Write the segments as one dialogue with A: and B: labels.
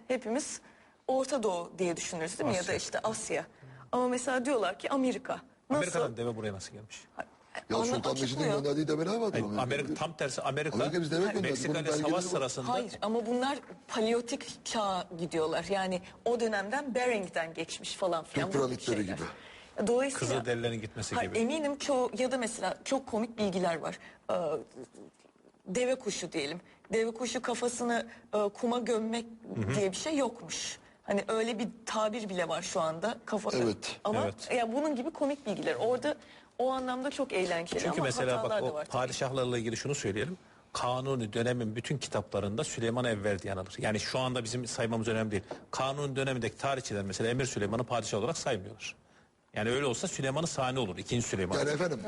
A: hepimiz Orta Doğu diye düşünürüz değil mi? Ya da
B: Asya.
A: işte Asya. Ama mesela diyorlar ki Amerika. Nasıl?
B: Amerika'dan deve buraya nasıl gelmiş?
C: Ya Sultan Mecid'in
A: açıklıyor.
C: gönderdiği develer vardır.
B: Hayır, Amerika tam tersi Amerika
C: Amerika biz deve gönderdi.
B: Meksika
C: Bunun
B: ile savaş
C: belgeleri var.
B: sırasında
A: Hayır ama bunlar paleolitik çağa gidiyorlar. Yani o dönemden Bering'den geçmiş falan filan.
C: Türk
A: bu tip
C: piramitleri
A: şeyler.
C: gibi.
A: Dolayısıyla
B: Kızılderililerin gitmesi
A: hayır,
B: gibi.
A: eminim çoğu ya da mesela çok komik bilgiler var. Deve kuşu diyelim. Deve kuşu kafasını kuma gömmek diye bir şey yokmuş. Hani öyle bir tabir bile var şu anda.
C: Evet.
A: Ama
B: Evet.
A: ya bunun gibi komik bilgiler. Orada o anlamda çok eğlenceli
B: Çünkü
A: ama
B: mesela
A: hatalar
B: bak
A: da
B: o
A: var tabii.
B: padişahlarla ilgili şunu söyleyelim. Kanuni dönemin bütün kitaplarında Süleyman Evvel diye anılır. Yani şu anda bizim saymamız önemli değil. Kanuni dönemindeki tarihçiler mesela Emir Süleyman'ı padişah olarak saymıyorlar. Yani öyle olsa Süleyman'ı Sani olur. İkinci Süleyman.
C: Yani efendim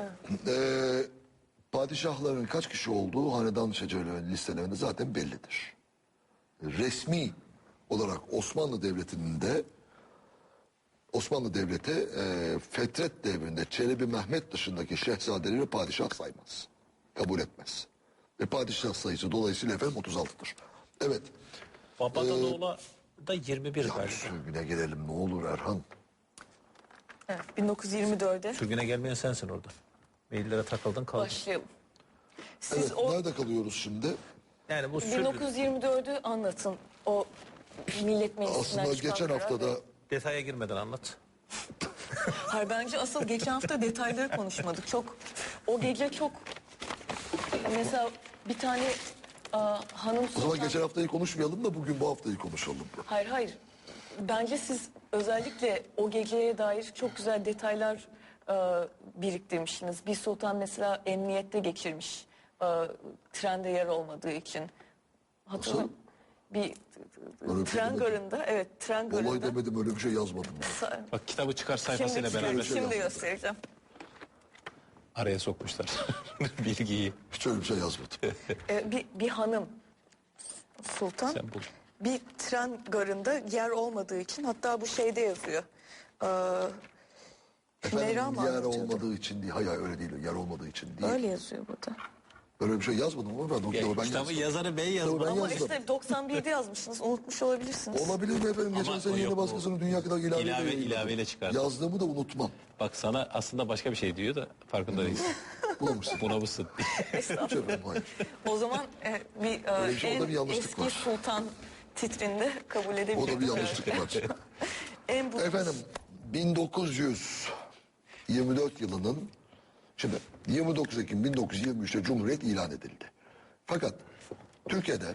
C: padişahların kaç kişi olduğu hanedan şecerelerinin listelerinde zaten bellidir. Resmi olarak Osmanlı Devleti'nin de Osmanlı Devleti Fetret devrinde Çelebi Mehmet dışındaki şehzadeleri padişah saymaz. Kabul etmez. Ve padişah sayısı dolayısıyla efendim 36'dır. Evet.
B: Babadan oğula da 21
C: Ya
B: galiba.
C: sürgüne gelelim ne olur Erhan.
A: Evet, 1924'de
B: Sürgüne gelmeyen sensin orada. Maillere takıldın kaldın.
A: başlayalım. Siz
C: Evet,
A: o
C: nerede kalıyoruz şimdi?
B: Yani bu
A: 1924'ü anlatın. O Millet Meclisi'nden
C: Aslında
A: çıkan
C: geçen
A: karar
C: haftada
A: ve-
B: detaya girmeden anlat.
A: Hayır, bence asıl geçen hafta detayları konuşmadık. Çok o gece çok mesela bir tane hanım
C: o zaman
A: sultan...
C: geçen haftayı konuşmayalım da bugün bu haftayı konuşalım.
A: Hayır. Bence siz özellikle o geceye dair çok güzel detaylar biriktirmişsiniz. Bir sultan mesela emniyette geçirmiş. Trende yer olmadığı için. Hatırlıyor
C: Nasıl?
A: Bir
C: Öyle bir şey
A: tren
C: demedim.
A: garında, evet tren
C: Olay
A: garında.
C: demedim öyle bir şey yazmadım.
B: Bak kitabı çıkar
A: Şimdi,
B: sayfasıyla beraber
A: şimdi göstereceğim.
B: araya sokmuşlar bilgiyi.
C: Hiç öyle bir şey yazmadım.
A: Bir hanım sultan
B: Sen bul.
A: bir tren garında yer olmadığı için, hatta bu şeyde yazıyor. Hümeyra mı
C: Efendim yer
A: anlatıyordu?
C: olmadığı için değil. Hayır öyle değil. Yer olmadığı için değil.
A: Öyle yazıyor burada.
C: Öyle bir şey yazmadım ama ben o kitabı ben
B: Kitabın
C: yazdım.
B: yazarı bey
C: Kitabı
B: yazmadı.
C: ben
A: Ama
C: yazdım.
A: işte 91'de yazmışsınız, unutmuş olabilirsiniz.
C: Olabilir mi efendim? Geçen
B: Ama
C: sene
B: o
C: yeni
B: yok,
C: baskısını dünya kadar ilaveyle yayınladım.
B: ilaveyle çıkardım.
C: Yazdığımı da unutmam.
B: Bak sana aslında başka bir şey diyor da farkında değilsin.
C: Bulmuşsun.
B: Buna mısın?
C: Hiç efendim hayır.
A: O zaman
C: Öyle bir şey,
A: en
C: orada bir yanlışlık
A: eski
C: var.
A: sultan titrinde kabul edebiliriz.
C: O da bir yanlışlık var.
A: En bu
C: Efendim 1924 yılının şimdi 29 Ekim 1923'te Cumhuriyet ilan edildi. Fakat Türkiye'de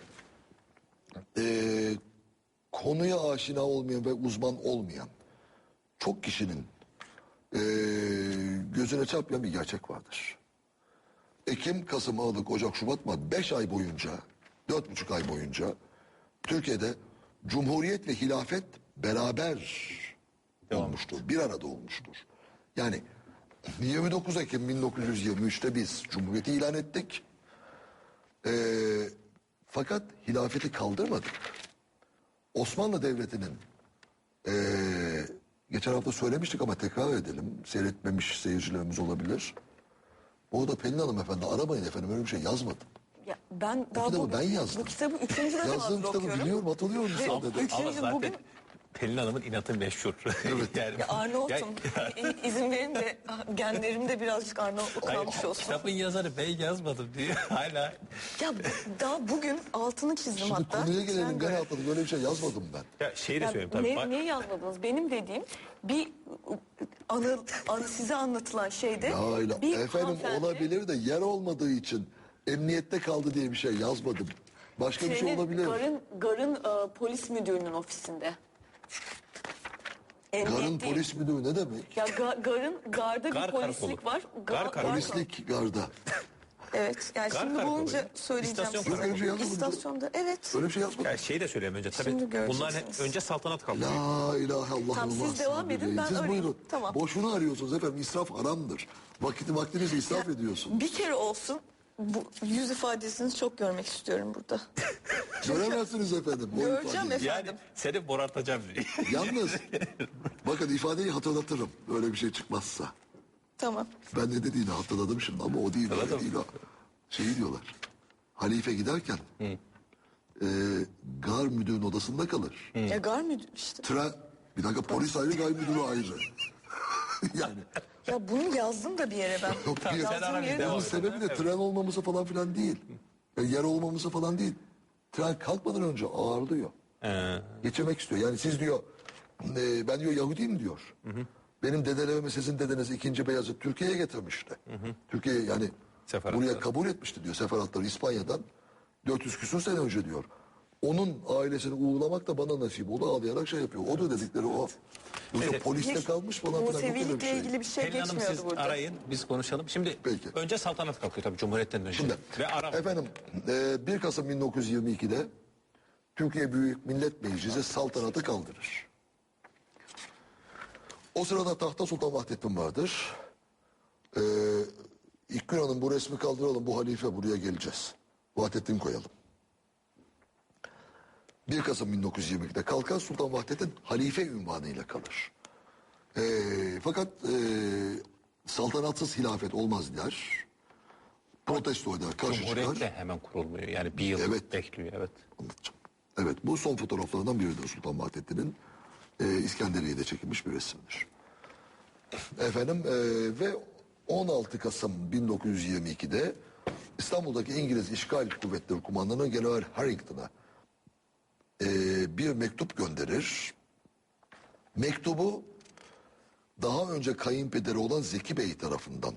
C: konuya aşina olmayan ve uzman olmayan çok kişinin gözüne çarpmayan bir gerçek vardır. Ekim, Kasım, Aralık, Ocak, Şubat mı 5 ay boyunca 4,5 ay boyunca Türkiye'de Cumhuriyet ve hilafet beraber olmuştur. Bir arada olmuştur. Yani 29 Ekim 1923'te biz Cumhuriyeti ilan ettik. Fakat hilafeti kaldırmadık. Osmanlı Devleti'nin geçen hafta söylemiştik ama tekrar edelim. Seyretmemiş seyircilerimiz olabilir. Orada Pelin Hanım efendi aramayın efendim öyle bir şey yazmadım.
A: ya ben daha
C: kitabı ben yazdım.
A: Bu kitabı 3. defa
C: Yazdığım kitabı
A: okuyorum.
C: biliyorum hatırlıyorum
A: Ve
C: sadece.
A: üçüncü
B: Ama zaten
A: bugün
B: Pelin Hanım'ın inatı meşhur.
C: Evet.
B: Yani,
A: ya Arnavut'um.
B: Ya-
A: İzin verin de genlerimde birazcık Arnavutluk
B: Hayır,
A: kalmış olsun.
B: kitabın yazarı bey yazmadım diyor hala.
A: Ya daha bugün altını çizdim
C: Şimdi
A: hatta.
C: konuya gelelim
A: Sen
C: ben
A: gör.
C: atladım böyle bir şey yazmadım ben.
B: Ya şeyi de
A: Ya
B: söyleyeyim tabii.
A: ne yazmadınız? Benim dediğim bir size anlatılan şeyde
C: Ya öyle.
A: bir
C: Efendim
A: hanımefendi
C: olabilir de yer olmadığı için emniyette kaldı diye bir şey yazmadım. Başka bir şey
A: trenin
C: olabilir.
A: garın polis müdürünün ofisinde.
C: Garın
A: Emniyet değil.
C: polis müdürü ne demek?
A: Ya garda
B: Gar
A: bir polislik
B: karakolu.
A: var.
B: Gar karakolu.
C: Polislik garda.
A: Evet. Yani
B: Gar
A: şimdi
B: karakolu
A: bulunca
B: ya.
A: söyleyeceğim.
B: İstasyon
A: size.
C: karakolu. Öyle bir şey yazmadım.
A: İstasyonda evet.
C: Öyle bir şey yazmadım.
B: Ya şeyi de söyleyeyim önce tabii.
A: Şimdi göreceksiniz.
B: Bunlar önce saltanat kaldı.
C: La ilahe illallah.
A: Tamam, siz devam edin, ben
C: Siz
A: arayayım.
C: buyurun.
A: Tamam.
C: Boşuna arıyorsunuz efendim. İsraf haramdır. Vaktinizi israf ediyorsunuz.
A: Bir kere olsun bu yüz ifadesini çok görmek istiyorum burada.
C: Göremezsiniz efendim. o
A: Göreceğim
C: ifadeyi.
B: Yani
A: efendim.
B: seni morartacağım diye.
C: Yalnız bakın ifadeyi hatırlatırım. Öyle bir şey çıkmazsa.
A: Tamam.
C: Ben ne dediğini hatırladım şimdi ama o değil. Öyle
B: Hatırladın
C: değil
B: mı?
C: o. Şeyi diyorlar. Halife giderken gar müdürün odasında kalır.
A: Ya gar müdür işte.
C: Bir dakika, polis ayrı, gar müdürü ayrı. Yani
A: Ya bunu yazdım da bir yere ben.
C: yok,
B: Sen
A: Yazdığım
B: ara bir
A: yere
B: devam
C: bunun
B: et.
C: sebebi de tren olmaması falan filan değil. Yer olmaması falan değil. Tren kalkmadan önce ağırlıyor. Geçirmek istiyor. Yani siz diyor, ben diyor Yahudiyim diyor. Benim dedelerimi sizin dedeniz 2. Beyazıt Türkiye'ye getirmişti. Türkiye yani
B: Seferatlar.
C: buraya kabul etmişti diyor seferatları İspanya'dan. 400 küsur sene önce diyor. Onun ailesini uğurlamak da bana nasip oldu, ağlayarak şey yapıyor. O da dedikleri o. Yoksa
B: Neyse.
C: poliste kalmış falan filan. yok öyle bir
A: Musevilikle
C: şey.
A: ilgili bir şey
B: Pelin Hanım
A: geçmiyordu
B: siz
A: burada.
B: arayın biz konuşalım. Şimdi
C: Peki.
B: önce saltanat kalkıyor tabii Cumhuriyet'ten önce.
C: Şimdi
B: Ve Arap.
C: efendim 1 Kasım 1922'de Türkiye Büyük Millet Meclisi saltanatı kaldırır. O sırada tahta Sultan Vahdettin vardır. İlkgün Hanım bu resmi kaldıralım, bu halife buraya geleceğiz. Vahdettin koyalım. 1 Kasım 1922'de kalkar, Sultan Vahdettin halife ünvanıyla kalır. Fakat saltanatsız hilafet olmaz der. Protesto eder, karşı
B: Cumhuriyet de
C: çıkar.
B: hemen kurulmuyor. Yani bir yıl
C: Evet.
B: bekliyor. Evet.
C: Anlatacağım. Evet, bu son fotoğraflardan biridir Sultan Vahdettin'in. İskenderiye'de çekilmiş bir resimdir. Efendim ve 16 Kasım 1922'de İstanbul'daki İngiliz İşgal Kuvvetleri Kumandanı General Harrington'a bir mektup gönderir. Mektubu daha önce kayınpederi olan Zeki Bey tarafından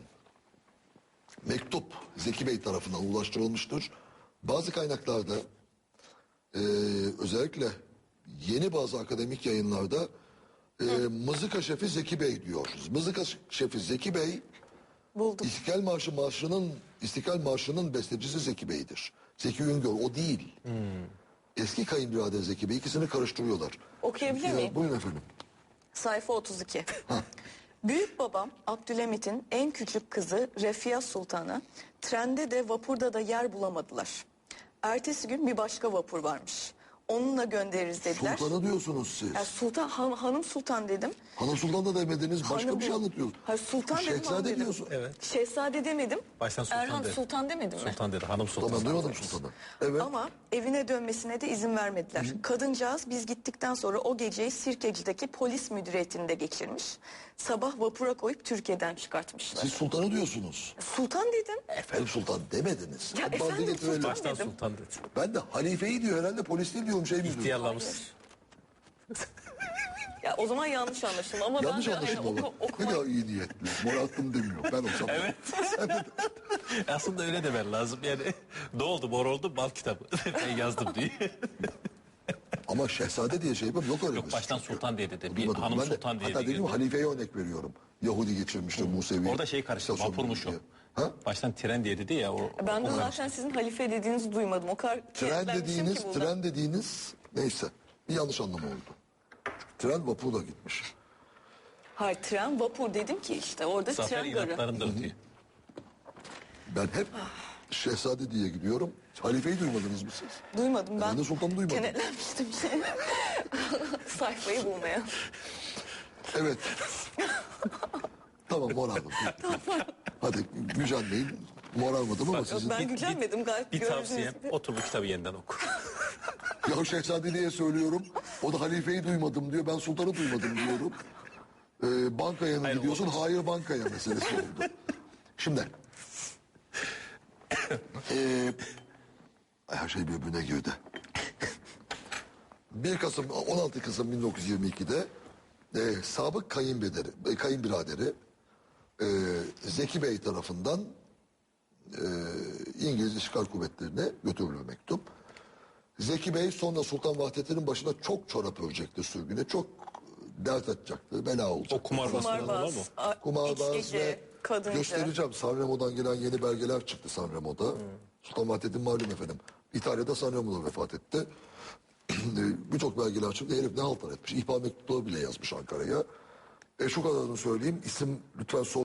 C: Zeki Bey tarafından ulaştırılmıştır. Bazı kaynaklarda özellikle yeni bazı akademik yayınlarda Mızıka Şefi Zeki Bey diyor. Mızıka Şefi Zeki Bey
A: Buldum.
C: İstiklal Marşı'nın bestecisi Zeki Bey'dir. Zeki Üngör o değil. Eski kayınbirader Zeki Bey, ikisini karıştırıyorlar.
A: Okuyabilir miyim?
C: Buyurun efendim.
A: Sayfa 32. Büyük babam Abdülhamit'in en küçük kızı Refia Sultan'a trende de vapurda da yer bulamadılar. Ertesi gün bir başka vapur varmış. Onunla göndeririz dediler.
C: Sultanı diyorsunuz siz.
A: Ya Sultan, hanım Sultan dedim.
C: Hanım Sultan da demediniz, başka
A: Hanım
C: bir şey
A: bu.
C: anlatıyorsunuz.
A: Hayır, Sultan dedim, hanım
C: Şehzade
A: dedim.
C: diyorsun.
B: Evet.
A: Şehzade demedim.
B: Baştan Sultan
A: Erhan
B: dedi.
A: Sultan demedim mi?
B: Sultan dedi. Hanım Sultan.
C: Tamam, duymadım Sultan'ı. Evet.
A: Ama evine dönmesine de izin vermediler. Kadıncağız biz gittikten sonra o geceyi Sirkeci'deki polis müdüriyetinde geçirmiş. Sabah vapura koyup Türkiye'den çıkartmışlar.
C: Siz Sultan'ı diyorsunuz.
A: Sultan dedim.
C: Efendim Sultan demediniz.
A: Ya
C: Hadi
A: efendim
C: getirelim.
A: Sultan
B: Baştan
A: dedim.
B: Sultan dedi.
C: Ben de halifeyi diyor herhalde, polis değil diyorum, şey mi diyorum.
B: İhtiyarlamış.
A: Ya o zaman yanlış anlaşılma ama
C: Yanlış
A: ben de
C: anlaşılma
A: hani
C: var. Ne
A: okuma...
C: kadar iyi niyetli. Morarttım demiyor. Ben olsam. Evet.
B: Aslında öyle demen lazım. Yani ne oldu mor oldu bal kitabı. Ben yazdım diye.
C: Ama şehzade diye şey yapıyorum. Yok öyle
B: Yok
C: bir
B: baştan
C: şey.
B: Sultan diye dedi. Bir
C: Duymadım.
B: hanım
C: Ben de-
B: Sultan diye
C: Hatta
B: dedi.
C: dediğim gibi halifeye örnek veriyorum. Yahudi geçirmiştir Musevi.
B: Orada şey karıştı.
C: İstasyon
B: Vapurmuş o.
C: diye. Ha?
B: Baştan tren diye dedi ya.
A: Ben de
B: o
A: zaten sizin halife dediğinizi duymadım. O kadar kenetlenmişim ki burada.
C: Tren dediğiniz neyse bir yanlış anlama oldu. Tren vapurla gitmiş.
A: Hayır tren vapur dedim ki işte orada
B: Zafer
A: tren garı.
B: inatlarında ötüyor.
C: Ben hep şehzade diye gidiyorum. Halifeyi duymadınız mı siz?
A: Duymadım ben.
C: Ben de Sultan'ı duymadım.
A: Kenetlenmiştim sayfayı bulmaya.
C: Evet. Tamam, moralım. Hadi gücenmeyin. Moralmadım ama
A: Yok,
C: sizin...
A: ben gücenmedim gayet
B: Bir
A: gördüğünüz
B: tavsiyem
A: gibi.
B: otur bu kitabı yeniden oku.
C: Ya şehzadeliğe söylüyorum. O da halifeyi duymadım diyor. Ben sultanı duymadım diyorum. Bankaya mı
B: Hayır,
C: gidiyorsun?
B: olmaz.
C: Hayır, bankaya meselesi oldu. Şimdi. Her şey birbirine girdi. 16 Kasım 1922'de sabık kayınbiraderi Zeki Bey tarafından İngiliz İşgal Kuvvetleri'ne götürülür mektup. Zeki Bey sonra Sultan Vahdettin'in başına çok çorap örecektir sürgüne. Çok dert açacaktır, bela olacaktır.
B: O kumarbaz falan var mı?
C: Kumarbaz
A: iç gece,
C: ve
A: kadınca.
C: göstereceğim. Sanremo'dan gelen yeni belgeler çıktı Sanremo'da. Sultan Vahdettin malum efendim. İtalya'da Sanremo'da vefat etti. Birçok belgeler çıktı. Herif ne haltlar etmiş. İhbar mektupları bile yazmış Ankara'ya. Şu kadarını söyleyeyim. İsim lütfen